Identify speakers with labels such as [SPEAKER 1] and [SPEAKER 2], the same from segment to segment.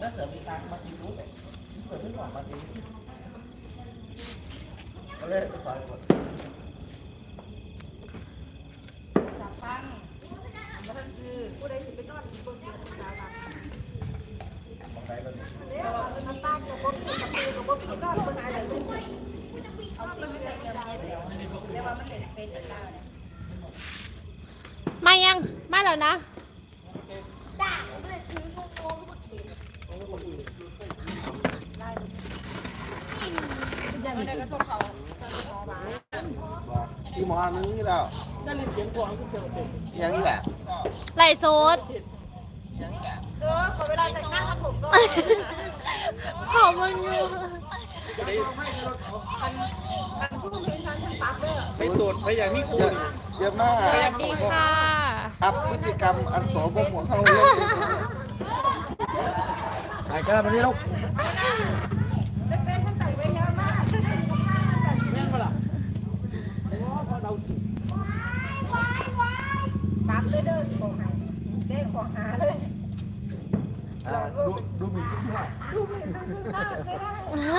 [SPEAKER 1] แล้วเสือมีตังมากินรู้ไหมเสือไม่หวังมากินก็เลยไปต่อยคน
[SPEAKER 2] จับฟังแล้วมันคือผู้ใดสิไปนอนบนเตียงธรรมดาบ้าง
[SPEAKER 1] มองไหนบ้าง
[SPEAKER 2] เดี๋ยวมันตั้งกับบ่มีกับมือกับบ่มีนอนบนอะไรเลยเอาไปไม่ได้เกี่ยวกับเดี๋ยวเรียกว่ามันเป็นแบบนั้นเนี่ย
[SPEAKER 3] มายังมาแล้วนะ
[SPEAKER 1] ที่หมอนึงนี่แล้วได้ยินเสียงพวงอย่างนี้แหละ
[SPEAKER 3] ไล่โซด
[SPEAKER 2] ขอเวลาแต่งหน้าทำผมก็
[SPEAKER 3] ขอมึงอยู่
[SPEAKER 4] ใส่สูตรไปอย่างที่คุณ
[SPEAKER 1] เยอะมาก
[SPEAKER 3] สวัสดีค่ะ
[SPEAKER 1] ครับพฤติกรรมอันโสมมของเขาเลย
[SPEAKER 4] ไอ้กระดาษนี้ลูก
[SPEAKER 2] เป็นท่านแต่งไว้เยอะมาก
[SPEAKER 4] แม่งเปล่าพอเราจุด
[SPEAKER 2] ตับเลยเด้อของหาเด้ของหาเลย
[SPEAKER 1] ดูหมิ่นขึ้นมา
[SPEAKER 2] ดูหมิ่นซึ่งหน้าไม่ได้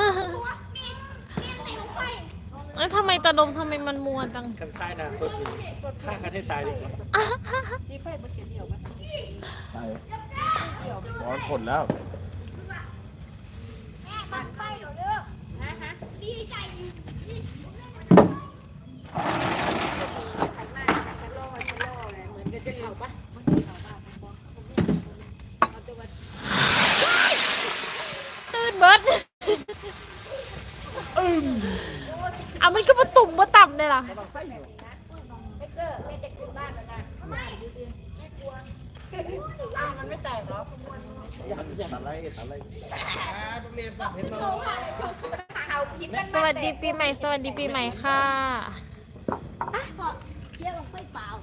[SPEAKER 3] แล้วทำไมตาดมทำไมมันมัวจัง
[SPEAKER 4] กันค่ายนะสดดีฆ่ากันให้ตายดีกว่า
[SPEAKER 2] ที่ไฟมันเกี่ยวไหม
[SPEAKER 1] ใช่ร้อนผลแล้ว
[SPEAKER 2] มันไฟเหรอเด้อฮะดีใจขันมาขันโล่เลยเหมือนจะเข่าปะมันเข่าปะเอาตัวมา
[SPEAKER 3] ตื่นเบิดเอามันก็มาตุ่มมาต่ำเลยล่ะ
[SPEAKER 2] ไม่เกอร์ไม่จะขึ้นบ้านแล้วนะไม่กลัวมันไม่แตกหรอ
[SPEAKER 1] อะไร
[SPEAKER 3] สวัสดีปีใหม่สวัสดีปีใหม่ค่ะ
[SPEAKER 2] เที่ยวลงไปเปล่า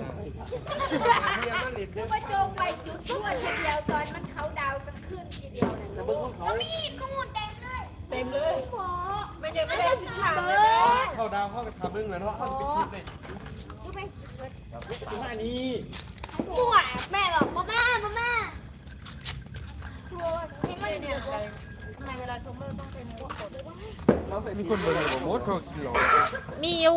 [SPEAKER 2] คือว่าโจงไปจุดชั่วทีเดียวตอนมันเขาดาวกันขึ้นทีเดียวเนี่ยก็มีนู่นเต็มเลยไม่ได้สิถามเลย
[SPEAKER 4] เข้าดาวเข้าไปทำเรื่องเลยเนาะเข้าไปคิดเลยที่มานี้
[SPEAKER 2] ตัวแม่บอกพ่อแม่ตัวนี่ไม่เนี่ยทำไมเวลาชมเมอร์ต้องเป็นพวกคน
[SPEAKER 1] เราใส่
[SPEAKER 4] มีคนเบอร์ไหนบอกมดเขากินหรอ
[SPEAKER 3] มีอยู่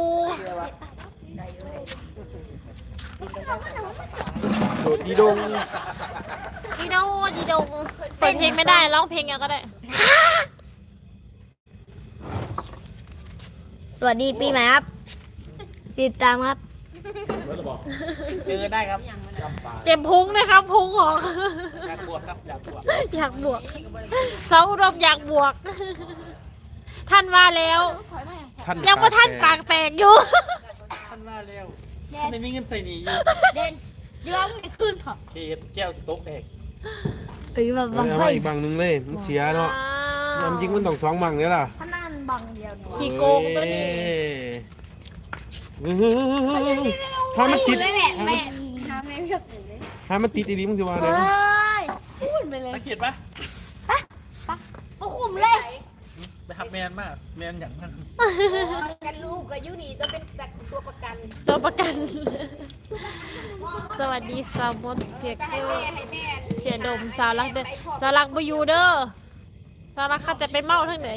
[SPEAKER 4] โดดดีดง
[SPEAKER 3] ดีดงเปิดเพลงไม่ได้ร้องเพลงยังก็ได้
[SPEAKER 5] สวัสดีปีใหม่ครับติดตามครับ
[SPEAKER 4] เจอได้ครับ
[SPEAKER 3] เก็บพุงนะครับพุงของ
[SPEAKER 4] อยากบวกครับอยากบวก
[SPEAKER 3] สาวอุดมอยากบวกท่านว่าแล้วยังว่าท่านปากแตกอยู่
[SPEAKER 4] ท่านว่าแล้วท่านไม่มีเงินใส่หนีอยู่
[SPEAKER 5] เด่นย้อมไม่ขึ้นเถอะ
[SPEAKER 4] เคสแก้วสต๊อกแตก
[SPEAKER 5] แบบบังไฟ
[SPEAKER 6] อีกบังนึงเลยมันเสียเนาะน้ำยิงมันต้อง2 บังเนี่ยล่ะ
[SPEAKER 2] ถ้านั่นบังเดียว
[SPEAKER 3] ขี้โกงตัวนี้
[SPEAKER 6] ถ้ามันติด
[SPEAKER 5] ถ้า
[SPEAKER 6] มันติดดีๆมึงจะว่าไง
[SPEAKER 5] พูดไปเลย
[SPEAKER 4] ตะเขียดปะ
[SPEAKER 5] มาคุมเลย
[SPEAKER 4] ไปทับแมนมากแมนอย่างนั้น
[SPEAKER 2] กันลูกกับยูนี่จะเป็นตัวประกัน
[SPEAKER 3] สวัสดีสาวมดเสียเกลเสียดมสาวรักเด้อสาวรักบยูเด้อสาวรักขับแต่ไปเมาทั้งไหน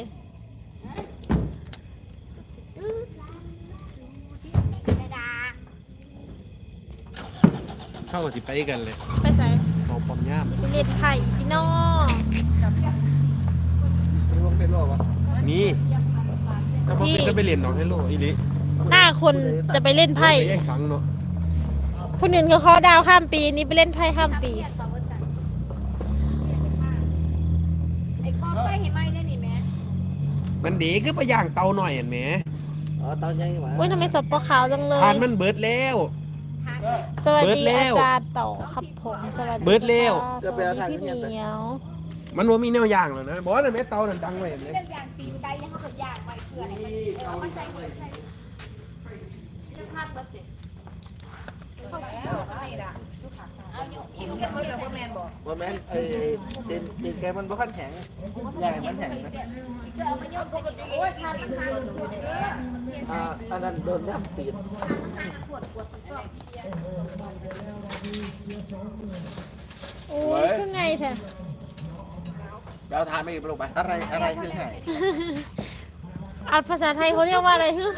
[SPEAKER 6] เข้ากับสิไปกันเลย
[SPEAKER 3] ไปไหน
[SPEAKER 6] เขาปอมย่าม
[SPEAKER 3] เล่นไข่พี่น้อง
[SPEAKER 1] เป็นโรควะ
[SPEAKER 6] นี่ถ้าพอเป็นก็ไปเรียนน้องให้โลอีลิ
[SPEAKER 3] หน้าคนจะไปเล่นไพ่
[SPEAKER 6] แย่งสังเนาะ
[SPEAKER 3] คนอื่นเขาดาวข้ามปีนี้ไปเล่นไพ่ข้ามปี
[SPEAKER 2] ไอ้ก้อนไฟเห็นไหมได้หนิแม่
[SPEAKER 6] มันดีก็ไปย่างเตาหน่อยเห็นไหม
[SPEAKER 1] เตาใหญ่ไหม
[SPEAKER 3] อุ้ยทำไมสดปลาขาวจังเลย
[SPEAKER 6] ทานมันเบิดแล้ว
[SPEAKER 3] สวัสดีอาจารย์ต่อครับผมสวัสดี
[SPEAKER 6] เบิดแล้ว
[SPEAKER 3] พี่เหนียว
[SPEAKER 6] มันว่ามีแนวย่างแล้วนะบอกว่าในแม่เตานั่นดังเลยเห็นไหม
[SPEAKER 2] เป็นอย่างตีนได้ยังเขากับอย่างไปเกลือให้มันใส่เงินใส่เรื่องพลาดเบิร์ดเด็ดเข้าแล้วนี่ล่ะเอาอยู่เรื่องเขาเรียกว่าแมนบอก
[SPEAKER 1] ว่าแมนตีนแกมันบ่ขั้นแข็งใหญ่มันแข็งนะ
[SPEAKER 2] เอามาโยนปกติโอ้ยพลาดมันพลาด
[SPEAKER 1] อันนั้นโดนย่ำตีน
[SPEAKER 3] โอ้ยคือไงแท้
[SPEAKER 1] เดี๋ยวทานไม่ลงไปอะไรคือไง
[SPEAKER 3] อ่านภาษาไทยเขาเรียกว่าอะไรฮึ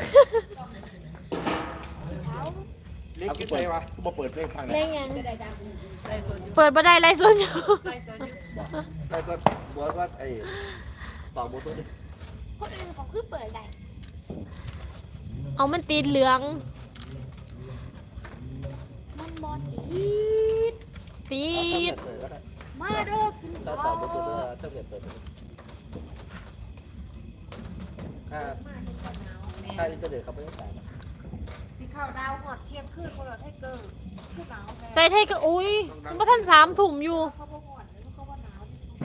[SPEAKER 1] เล็กขึ้นไปวะกูมาเปิดเพลงฟังเลย
[SPEAKER 3] เล่นยังเปิดบันไดไล่ส่วนอยู่
[SPEAKER 1] ไอ้เพื่อนบอกว่าไอ้ต่อโมตัวดิ
[SPEAKER 2] คนอื่นเขาคือเปิดได้
[SPEAKER 3] เอามันตีนเหลือง
[SPEAKER 2] มันบอลดีด
[SPEAKER 3] ตีน
[SPEAKER 2] มาเด้อกิน
[SPEAKER 1] ต่อโมตัวถ้าเกิดเปิดถ้าอินเทอร์เน็ตเขาไม่ต้องจ่าย
[SPEAKER 2] ที่ข้าวดาวหอดเที่ยงคืนคนละให้เกินคือหนาวแพ้
[SPEAKER 3] ใส่ไทยก็อุ้ยมันบ่ทัน3 ถุ่มอยู่
[SPEAKER 2] เขาบอกหอดแล้วเขาว่าหนาว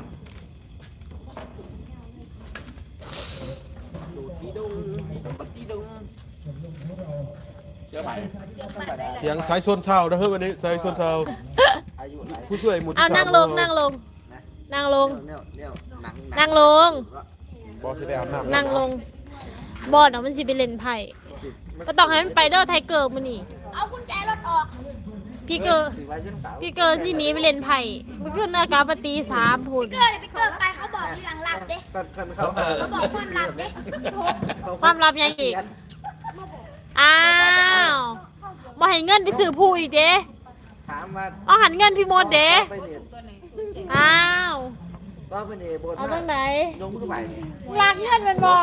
[SPEAKER 1] ดูที่ดุงบักที่ดุงเชื่อไหม
[SPEAKER 6] เสียงสายชนเช้านะเฮ้ยวันนี้สายชนเช้า
[SPEAKER 1] อายุไหน
[SPEAKER 6] ผู้ช่วยหมุน
[SPEAKER 3] เอานั่งลงนั่งลงนั่งลง
[SPEAKER 1] เนี่ยหนัง
[SPEAKER 3] นั่งลง
[SPEAKER 6] บอสไปอาบน้ำ
[SPEAKER 3] นั่งลงบอดเนาะมันสิไปเล่นไพ่ก็ต้องให้มันไปเด้อไทเกอร์มื้อนี้
[SPEAKER 2] เอากุญแจรถออก
[SPEAKER 3] พี่เกอร์พี่เกอร์ที่หนี้ไปเล่นไพ่เมื่อคืนนากาปตี3พุ่น
[SPEAKER 2] เกิดไปเกิดไปเขาบอกเรื่องลับเด้เขาบอกความลับเด้
[SPEAKER 3] ความลับยังอีกอ้าวบ่ให้เงินไปซื้อผู้อีกเด้
[SPEAKER 1] ถามว่า
[SPEAKER 3] เอาหันเงินพี่มดเด้
[SPEAKER 1] ไปเนี่ย
[SPEAKER 3] อ้าว
[SPEAKER 1] ก็ไปเนี่ยบน
[SPEAKER 3] เอาตรงไหน
[SPEAKER 1] ยงมือไป
[SPEAKER 3] ลากเงินมันบ่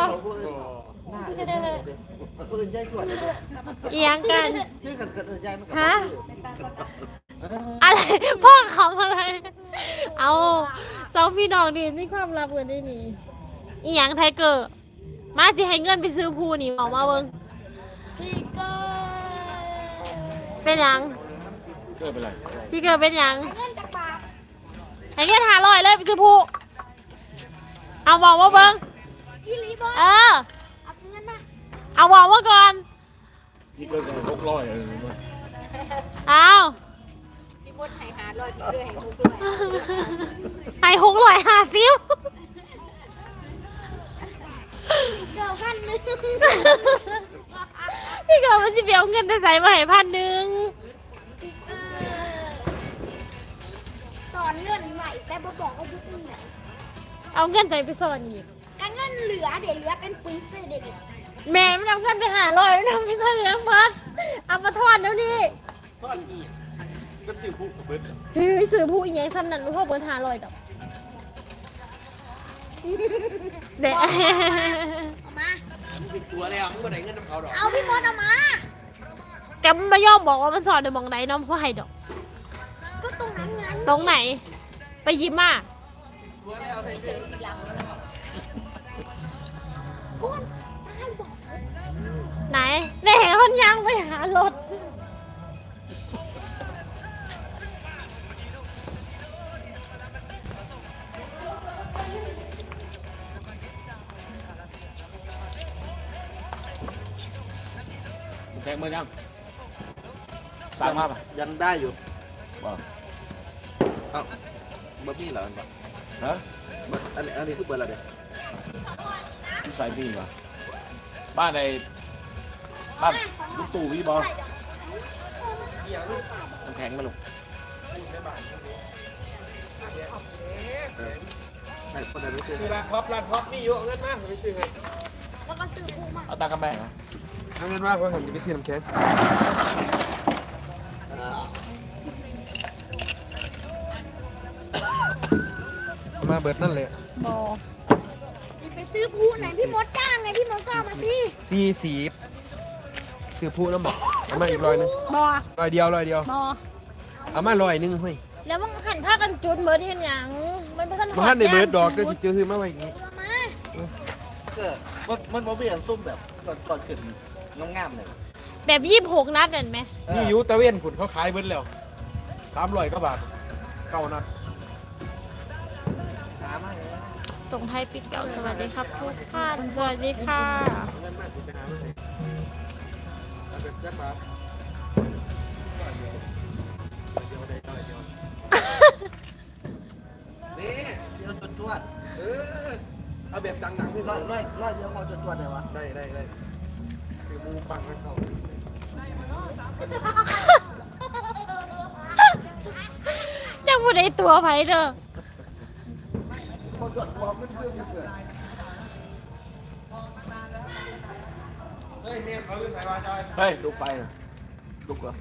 [SPEAKER 1] ปืนใหญ่ส่วน
[SPEAKER 3] เอียงกัน
[SPEAKER 1] ชื่อกันเกิดใหญ่มัน
[SPEAKER 3] ฮะอะไรพ่อเขาอะไร เอาสองพี่น้องดีมีความลับกันได้นี่อีหยังไทเกอร์มาสิให้เงินไปซื้อผู้นี่ออกมาเบิ่ง
[SPEAKER 2] พี่เกิด
[SPEAKER 3] เป็นหยัง
[SPEAKER 6] เกิดเป็นไร
[SPEAKER 3] พี่เกิดเป็นหยัง
[SPEAKER 2] เงินจากบาท
[SPEAKER 3] ให้เงิน500เลยไปซื้อผู้เอาบอกว่าเบิ่ง
[SPEAKER 2] พี่ลีบอล
[SPEAKER 3] เออ
[SPEAKER 2] เอาเงินมา
[SPEAKER 3] เอาบอกว่าก่อน
[SPEAKER 6] พี่เกิดกัน600เลย
[SPEAKER 3] เอา
[SPEAKER 2] พี่มดให้500พี่เกิดให้600
[SPEAKER 3] ให้650
[SPEAKER 2] เกิด1,000
[SPEAKER 3] พี่เกิดมันสิไปเอาเงินไปใส่มาให้1,000
[SPEAKER 2] สอนเงินใหม่แต่บ่บอกว่ายุคไหน
[SPEAKER 3] เอาเงินใจไปซ่อนอีก
[SPEAKER 2] ก็เงินเหลือเดี๋ยวเหลือเป็นปึ๊กเลยเด็ก
[SPEAKER 3] แม่มันเอาเงินไป500แล้วไม่ใช่แล้วมัดเอามาทอดแล้วนี่
[SPEAKER 1] ก็อีกก็ชื่อผู้เบิร์ด
[SPEAKER 3] พี่ซื้อผู้อีหยังซ้ำนั้นรู้พ่อเบิร์ด500ดอกเด็ก
[SPEAKER 2] เอามา
[SPEAKER 1] ติดตัวแล้วมึงมาไหนเงินน้ำเขาดอก
[SPEAKER 2] เอาพี่มดเอามา
[SPEAKER 3] แกมันไม่ยอมบอกว่ามันสอนในมองไหนน้องพ่อให้ดอก
[SPEAKER 2] ก็ตรงนั้นไง
[SPEAKER 3] ตรงไหน ไปยิ้มมา
[SPEAKER 2] คุณได้บอก
[SPEAKER 3] ไหนแม่มันยังไปหารถ
[SPEAKER 1] แทงมือยังสร้างมาป่ะยังได้อยู่บ่เอ้าเบอร์พี่เหรอฮะอันนี้คือเบอร์อะไรเด็ก
[SPEAKER 7] ที่ใส่พี่ป่ะบ้านในบ้านลูกสู่พี่บอลน้ำแข็งมาลง
[SPEAKER 1] ไอ้คนไหนไม่ซื้อ
[SPEAKER 6] คือร้านท็อปมีอยู่เอาเงินมาไปซื้อให้
[SPEAKER 2] แล้วก็ซื้อผู้มา
[SPEAKER 7] เอาตังค์กับแม่นะ
[SPEAKER 6] เอาเงินมาเพราะผมจะไปซื้อน้ำแข็งเอามาเบิดนั่นเลย
[SPEAKER 3] บอ
[SPEAKER 2] ไปซื้อผู้ไหนพี่มดจ้างไงพี่มดก็เอามาสิ
[SPEAKER 6] 40คือผู้น้ำบอกเอามาอีก100นึง
[SPEAKER 3] บอ
[SPEAKER 6] 100เดียว
[SPEAKER 3] บอ
[SPEAKER 6] เอามา100นึงเฮ้ย
[SPEAKER 3] แล้วมึงหันผ้ากันจุดเบิร์ดเห็นหยังมันเป็น
[SPEAKER 6] มันทันในเบิดดอกก็จะซื้อมาไว้อีก
[SPEAKER 2] เอามา
[SPEAKER 1] ก็มันบ่เปลี่ยนซุ่มแบบก่อนขึ้นงามๆเลย
[SPEAKER 3] แบบ26 นัดเห็นไหม
[SPEAKER 6] นี่อยู่ตะเวนผุนเขาขายเบิดแล้ว300กว่าบาท9นัด
[SPEAKER 1] ช้ามากเลย
[SPEAKER 3] ส่งท้ายปีเก่าสวัสดีครับทุกท่านสวัสดีค่ะ
[SPEAKER 6] เงินมากกูจะหามาให้เอาแบบจักบาท
[SPEAKER 1] นี่เดี๋ยวจวด
[SPEAKER 6] เอาแบบดังๆพี่
[SPEAKER 1] ร้อยเดียวเขาจวดเลยวะ
[SPEAKER 6] ได้ซื้อหมูปังให้เขา
[SPEAKER 3] จังผู้ใดตัวไผเด้อ
[SPEAKER 1] บ่จดความมันเรื่องจะเกิด
[SPEAKER 6] เฮ้ยเมียเขาอยู่ใส่วาจอย
[SPEAKER 7] เฮ้ยลูกไฟน่ะลูกเหรอ